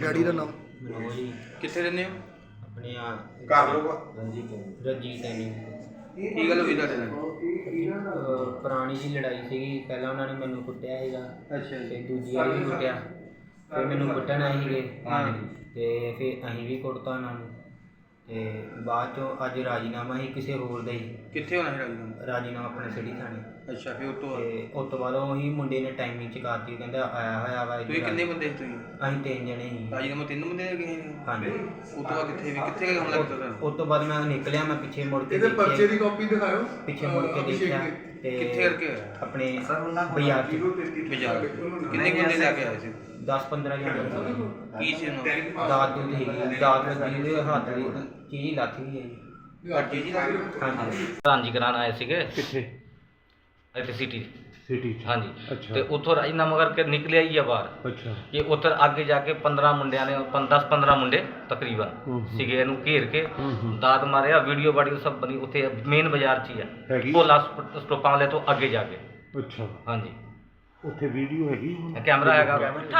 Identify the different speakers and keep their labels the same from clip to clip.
Speaker 1: Daddy ਦਾ ਨਾਮ
Speaker 2: ਕਿੱਥੇ ਰਹਿੰਦੇ ਹੋ?
Speaker 3: ਆਪਣੇ
Speaker 1: ਘਰ ਲੋਕ
Speaker 3: ਰਣਜੀਤ ਐਨੀ
Speaker 2: ਕੀ ਗੱਲ ਹੋਈ ਤੁਹਾਡੇ ਨਾਲ?
Speaker 3: ਪੁਰਾਣੀ ਜੀ ਲੜਾਈ ਸੀਗੀ। ਪਹਿਲਾਂ ਉਹਨਾਂ ਨੇ ਮੈਨੂੰ ਕੁੱਟਿਆ ਸੀਗਾ
Speaker 2: ਅੱਛਾ
Speaker 3: ਤੇ ਦੂਜੀ ਵਾਰੀ ਵੀ ਕੁੱਟਿਆ, ਫਿਰ ਮੈਨੂੰ ਕੁੱਟਣ ਆਏ ਸੀਗੇ ਤੇ ਫਿਰ ਅਸੀਂ ਵੀ ਕੁੱਟਤਾ ਉਹਨਾਂ ਨੂੰ। ਤੇ ਬਾਅਦ ਚੋਂ ਅੱਜ ਰਾਜੀਨਾਮਾ ਸੀ ਕਿਸੇ ਹੋਰ ਦਾ ਹੀ,
Speaker 2: ਕਿੱਥੇ ਹੋਣਾ ਸੀ
Speaker 3: ਰਾਜੀਨਾਮਾ ਆਪਣੇ ਸਿਟੀ ਥਾਣੇ।
Speaker 2: ਅੱਛਾ, ਫਿਰ
Speaker 3: ਉਸ ਤੋਂ ਬਾਅਦ ਉਹੀ ਮੁੰਡੇ ਨੇ ਟਾਈਮਿੰਗ ਚਕਾਤੀ, ਕਹਿੰਦਾ ਆਇਆ ਹੋਇਆ ਵਾ।
Speaker 2: ਤੁਸੀਂ ਕਿੰਨੇ ਬੰਦੇ ਸੀ ਤੁਸੀਂ?
Speaker 3: ਅਸੀਂ 3 ਜਣੇ ਸੀ।
Speaker 2: ਰਾਜੀਨਾਮਾ 3 ਬੰਦੇ ਦੇ ਗਏ ਨੇ?
Speaker 3: ਹਾਂਜੀ।
Speaker 2: ਉਸ ਤੋਂ ਬਾਅਦ ਕਿੱਥੇ ਹਮਲਾ ਕੀਤਾ ਤੁਹਾਨੂੰ?
Speaker 3: ਉਸ ਤੋਂ ਬਾਅਦ ਮੈਂ ਨਿਕਲਿਆ, ਮੈਂ ਪਿੱਛੇ ਮੁੜ ਕੇ
Speaker 1: ਇਹਦੇ ਪਰਚੇ ਦੀ ਕਾਪੀ ਦਿਖਾਓ।
Speaker 3: ਪਿੱਛੇ ਮੁੜ ਕੇ ਦੇਖਿਆ ਤੇ
Speaker 2: ਕਿੱਥੇ ਕਰਕੇ ਹੋਇਆ?
Speaker 3: ਆਪਣੇ ਬਾਜ਼ਾਰ 'ਚ।
Speaker 2: ਬਾਜ਼ਾਰ ਕਿੰਨੇ ਬੰਦੇ ਲੈ ਕੇ ਆਏ ਸੀ?
Speaker 3: 10-15 ਜਣੇ
Speaker 2: ਕੀ ਸੀ ਉਹਨਾਂ
Speaker 3: ਦਾਤ ਦੂਤ ਹੈਗੀ, ਦਾਤ ਲੱਗੀ ਦੇ ਹੱਥ ਦੀ ਚੀਜ਼ ਲੱਥ ਗਈ ਹੈ ਜੀ। ਹਾਂਜੀ
Speaker 4: ਹਾਂਜੀ ਕਰਾਉਣ ਆਏ ਸੀਗੇ
Speaker 5: ਕਿੱਥੇ?
Speaker 4: ਇੱਥੇ ਸਿਟੀ
Speaker 5: ਸਿਟੀ
Speaker 4: ਹਾਂਜੀ।
Speaker 5: ਅੱਛਾ।
Speaker 4: ਤੇ ਉੱਥੋਂ ਰਾਜੀਨਾਮਾ ਕਰਕੇ ਨਿਕਲਿਆ ਹੀ ਆ ਬਾਹਰ
Speaker 5: ਅੱਛਾ।
Speaker 4: ਕਿ ਉੱਥੇ ਅੱਗੇ ਜਾ ਕੇ 15 ਮੁੰਡਿਆਂ ਨੇ 10-15 ਮੁੰਡੇ ਤਕਰੀਬਨ ਸੀਗੇ, ਇਹਨੂੰ ਘੇਰ ਕੇ ਦਾਤ ਮਾਰਿਆ। ਵੀਡੀਓ ਵਾਡੀਓ ਸਭ ਬਣੀ ਉੱਥੇ ਮੇਨ ਬਾਜ਼ਾਰ 'ਚ ਹੀ ਆ,
Speaker 5: ਹੈਗੀ?
Speaker 4: ਭੋਲਾ ਸਟੋਪਾਂ ਵਾਲੇ ਤੋਂ ਅੱਗੇ ਜਾ ਕੇ।
Speaker 5: ਅੱਛਾ,
Speaker 4: ਹਾਂਜੀ
Speaker 5: ਉੱਥੇ ਵੀਡੀਓ ਹੈਗੀ?
Speaker 4: ਕੈਮਰਾ ਹੈਗਾ।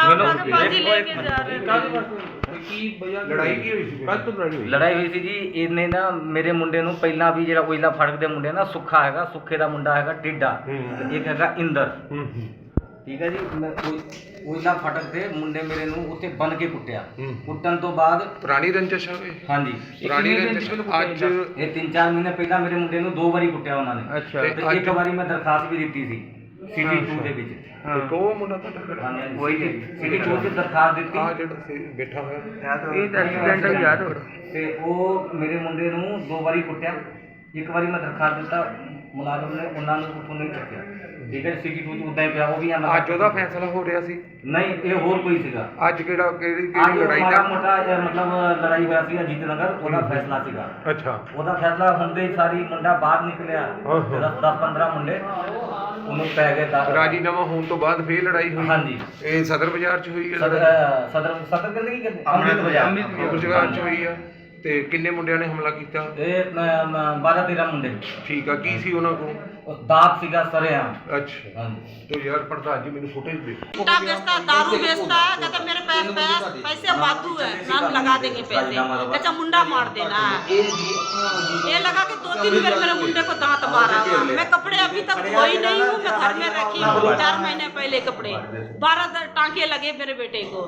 Speaker 5: ਲੜਾਈ ਕੀ ਹੋਈ ਸੀ? ਕੱਲ ਤੋਂ ਲੜਾਈ ਹੋਈ?
Speaker 4: ਲੜਾਈ ਹੋਈ ਸੀ ਜੀ। ਇਹਨੇ ਨਾ ਮੇਰੇ ਮੁੰਡੇ ਨੂੰ ਪਹਿਲਾਂ ਵੀ ਜਿਹੜਾ ਓਇਲਾ ਫੜਕ ਦੇ ਮੁੰਡੇ ਨਾ, ਸੁੱਖਾ ਹੈਗਾ, ਸੁੱਖੇ ਦਾ ਮੁੰਡਾ ਹੈਗਾ ਟਿੱਡਾ, ਤੇ ਇੱਕ ਹੈਗਾ ਇੰਦਰ। ਠੀਕ ਹੈ ਜੀ। ਓਇਲਾ ਫਟਕ ਦੇ ਮੁੰਡੇ ਮੇਰੇ ਨੂੰ ਉੱਥੇ ਬੰਨ ਕੇ ਕੁੱਟਿਆ। ਕੁੱਟਣ ਤੋਂ ਬਾਅਦ
Speaker 1: ਪੁਰਾਣੀ ਰੰਜਿਸ਼ ਹੈ।
Speaker 4: ਹਾਂਜੀ
Speaker 1: ਪੁਰਾਣੀ ਰੰਜਿਸ਼ ਅੱਜ
Speaker 4: ਇਹ 3-4 ਮਹੀਨੇ ਪਹਿਲਾਂ ਮੇਰੇ ਮੁੰਡੇ ਨੂੰ 2 ਵਾਰੀ ਕੁੱਟਿਆ ਉਹਨਾਂ ਨੇ।
Speaker 5: ਅੱਛਾ।
Speaker 4: ਤੇ ਇੱਕ ਵਾਰੀ ਮੈਂ ਦਰਖਾਸਤ ਵੀ ਦਿੱਤੀ ਸੀ ਸਿਟੀ 2 ਦੇ ਵਿੱਚ।
Speaker 1: ਉਹ ਮੁੰਡਾ ਤੁਹਾਡਾ
Speaker 4: ਵਹੀ ਸਿਟੀ 2 ਚ ਦਰਖਾਸਤ ਦਿੱਤੀ।
Speaker 1: ਆ ਜਿਹੜਾ ਬੈਠਾ ਹੋਇਆ
Speaker 5: ਇਹ ਤਾਂ ਐਕਸੀਡੈਂਟ ਯਾਦ ਹੋ।
Speaker 4: ਤੇ ਉਹ ਮੇਰੇ ਮੁੰਡੇ ਨੂੰ 2 ਵਾਰੀ ਕੁੱਟਿਆ। ਇੱਕ ਵਾਰੀ ਮੈਂ ਦਰਖਾਸਤ ਦਿੱਤਾ, ਮੁਲਾਜ਼ਮ ਨੇ ਉਹਨਾਂ ਨੂੰ ਉੱਥੋਂ ਨਹੀਂ ਚੱਕਿਆ। ਠੀਕ ਹੈ, ਸਿਟੀ 2 ਚ ਉਦਾਂ ਹੀ ਪਿਆ। ਉਹ ਵੀ
Speaker 1: ਅੱਜ ਉਹਦਾ ਫੈਸਲਾ ਹੋ ਰਿਹਾ ਸੀ?
Speaker 4: ਨਹੀਂ, ਇਹ ਹੋਰ ਕੋਈ ਸੀਗਾ।
Speaker 1: ਅੱਜ ਕਿਹੜੀ
Speaker 4: ਅੱਜ
Speaker 1: ਲੜਾਈ
Speaker 4: ਮਾੜਾ
Speaker 1: ਦਾ?
Speaker 4: ਮੋਟਾ ਮਤਲਬ ਲੜਾਈ ਹੋਇਆ ਸੀ ਅਜੀਤ ਨਗਰ, ਉਹਦਾ ਫੈਸਲਾ ਸੀਗਾ।
Speaker 5: ਅੱਛਾ।
Speaker 4: ਉਹਦਾ ਫੈਸਲਾ ਹੁੰਦੇ ਹੀ ਸਾਰੀ ਮੁੰਡਾ ਬਾਹਰ ਨਿਕਲਿਆ। 10-15 ਮੁੰਡੇ ਉਹਨੂੰ ਪੈ ਗਏ।
Speaker 1: ਰਾਜੀਨਾਮਾ ਹੋਣ ਤੋਂ ਬਾਅਦ ਫੇਰ ਲੜਾਈ ਹੋਈ?
Speaker 4: ਹਾਂਜੀ।
Speaker 1: ਇਹ ਸਦਰ ਬਾਜ਼ਾਰ 'ਚ ਹੋਈ ਹੈ?
Speaker 4: ਸਦਰ ਕਹਿੰਦੇ ਕੀ ਕਹਿੰਦੇ? ਅੰਮ੍ਰਿਤ
Speaker 1: ਬਾਜ਼ਾਰ 'ਚ ਹੋਈ ਆ। ਤੇ ਕਿੰਨੇ ਮੁੰਡਿਆਂ ਨੇ ਹਮਲਾ ਕੀਤਾ?
Speaker 4: ਇਹ 12-13 ਮੁੰਡੇ।
Speaker 1: ਠੀਕ ਆ। ਕੀ ਸੀ ਉਹਨਾਂ ਕੋਲ?
Speaker 4: ਦਾਤ ਸੀਗਾ ਸਰੇਆਮ।
Speaker 1: अच्छा।
Speaker 4: ਹਾਂਜੀ।
Speaker 1: तो यार प्रधान जी मैंने फुटेज दे।
Speaker 6: गुटखा बेचता, दारू बेचता है, कहता मेरे पास पैसे बातू है, हम लगा देंगे पैसे, कहता मुंडा मार देना है। ये लगा के 2-3 बार मेरे मुंडे को दांत मारा। मैं कपड़े अभी तक धोई नहीं हूँ, मैं घर में रखी हूँ 4 महीने पहले कपड़े। 12 टांके लगे मेरे बेटे को।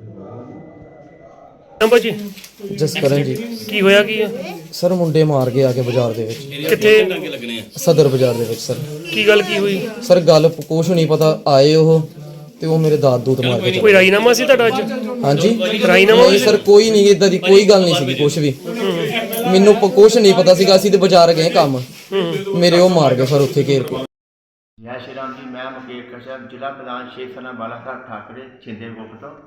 Speaker 7: ਭਾਜੀ
Speaker 8: ਜਸਕਰਨ ਜੀ।
Speaker 7: ਕੀ ਹੋਇਆ ਕੀ ਆ?
Speaker 8: ਸਰ ਮੁੰਡੇ ਮਾਰ ਕੇ ਆ ਕੇ ਬਾਜ਼ਾਰ ਦੇ ਵਿੱਚ।
Speaker 7: ਕਿੱਥੇ?
Speaker 8: ਸਦਰ ਬਾਜ਼ਾਰ ਦੇ ਵਿੱਚ ਸਰ।
Speaker 7: ਕੀ ਗੱਲ ਕੀ ਹੋਈ?
Speaker 8: ਸਰ ਗੱਲ ਕੁਛ ਨਹੀਂ ਪਤਾ, ਆਏ ਉਹ ਤੇ ਉਹ ਮੇਰੇ ਦਾਦ ਦੂਤ ਮਾਰ ਕੇ
Speaker 7: ਕੋਈ ਰਾਜੀਨਾਮਾ ਸੀ ਤੁਹਾਡਾ ਅੱਜ?
Speaker 8: ਹਾਂਜੀ
Speaker 7: ਰਾਜੀਨਾਮਾ
Speaker 8: ਨਹੀਂ ਸਰ, ਕੋਈ ਨਹੀਂ ਇਦਾਂ ਦੀ ਕੋਈ ਗੱਲ ਨਹੀਂ ਸੀਗੀ ਕੁਛ ਵੀ। ਮੈਨੂੰ ਕੁਛ ਨਹੀਂ ਪਤਾ ਸੀਗਾ। ਅਸੀਂ ਤੇ ਬਾਜ਼ਾਰ ਗਏ ਕੰਮ, ਮੇਰੇ ਉਹ ਮਾਰ ਗਏ ਸਰ ਉੱਥੇ ਘੇਰ ਕੇ।
Speaker 3: ਜੈ ਸ਼੍ਰੀ ਰਾਮ ਜੀ। ਮੈਂ ਮੁਕੇਸ਼ ਕਸ਼ਯਪ, ਜ਼ਿਲ੍ਹਾ ਪ੍ਰਧਾਨ ਸ਼ੇਖ ਸਨਾ ਬਾਲਾਸਾਹਬ ਠਾਕਰੇ ਛਿੰਦੇ ਗੋਪ ਤੋਂ।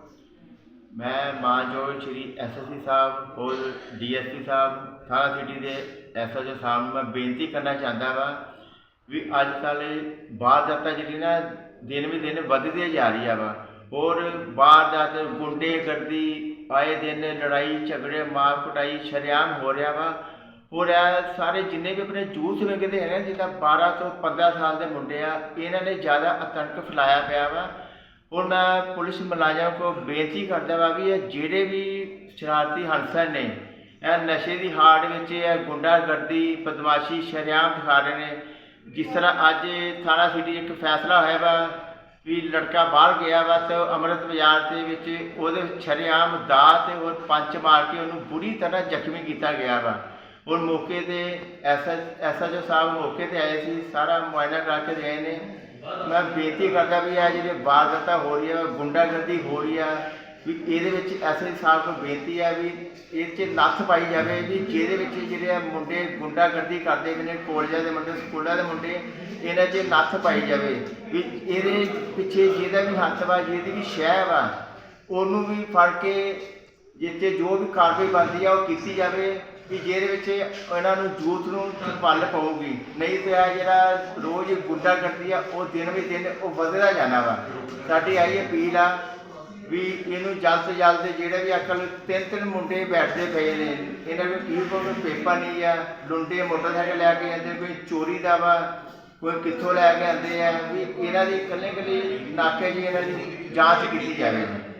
Speaker 3: मैं मानयोग श्री SSP साहब और DSP साहब थाना सिटी के SHO साहब मैं बेनती करना चाहता वा भी अजकल वारदात जी ना दिन भी दिन बढ़ती जा रही है वा। और वारदात गुंडे गर्दी आए दिन लड़ाई झगड़े मार कुटाई शरेआम हो रहा वा। और सारे जिन्ने भी अपने जूथ वेखते हैं जिदा 12 ਤੋਂ 15 साल के मुंडे आ, इन्हों ने ज़्यादा आतंक फैलाया पाया वा। और मैं पुलिस मुलाजम को बेनती करता वा भी ਜਿਹੜੇ भी शरारती हंसर ने नशे की हाड़ में गुंडागर्दी बदमाशी शरेआम दिखा रहे हैं। जिस तरह अज थाना सिटी एक फैसला होया वा भी लड़का बाहर गया वा तो अमृत बाजार के शरेआम दात और पंच मार के उन्होंने बुरी तरह जख्मी किया गया वा। और मौके पर SHO साहब मौके पर आए थे, सारा मुआयना करके गए ने। मैं बेनती करता भी है जी वारदात हो रही है, गुंडागर्दी हो रही है भी ये SHO साहब को बेनती है भी ये नत्थ पाई जाए भी जे मुंडे गुंडागर्दी करते हैं कॉलेजा के मुंडे स्कूलों के मुंडे इन्हों च नत्थ पाई जाए भी ये पिछे जिहदा भी हथ वा जिहदी भी शह वा उन्होंने भी फड़ के जिते जो भी कार्रवाई बनती है वो की जाए भी ਜਿਹਦੇ ਇਹਨਾਂ ਨੂੰ ਯੂਥ ਨੂੰ ਪਲ ਪਊਗੀ। ਨਹੀਂ ਤੇ ਆ ਜਿਹੜਾ ਰੋਜ਼ ਗੁੰਡਾਗਰਦੀ ਆ ਉਹ ਦਿਨ ਵੀ ਦਿਨ ਉਹ ਵਧਦਾ ਜਾਣਾ ਵਾ। ਸਾਡੀ ਆਈ ਅਪੀਲ ਆ ਵੀ ਇਹਨੂੰ ਜਲਦ ਤੋਂ ਜਲਦ ਜਿਹੜੇ ਵੀ ਅਕਲ 3 ਮੁੰਡੇ ਬੈਠਦੇ ਪਏ ਨੇ ਇਹਨਾਂ ਨੂੰ ਕੀ ਕੋਈ ਪੇਪਰ ਨਹੀਂ ਆ, ਲੁੰਡੇ ਮੋਟਰਸਾਈਕਲ ਲੈ ਕੇ ਆਉਂਦੇ, ਕੋਈ ਚੋਰੀ ਦਾ ਵਾ, ਕੋਈ ਕਿੱਥੋਂ ਲੈ ਕੇ ਆਉਂਦੇ ਆ ਵੀ ਇਹਨਾਂ ਦੀ ਇਕੱਲੇ ਨਾਕੇ ਜੀ ਇਹਨਾਂ ਦੀ ਜਾਂਚ ਕੀਤੀ ਜਾਵੇ।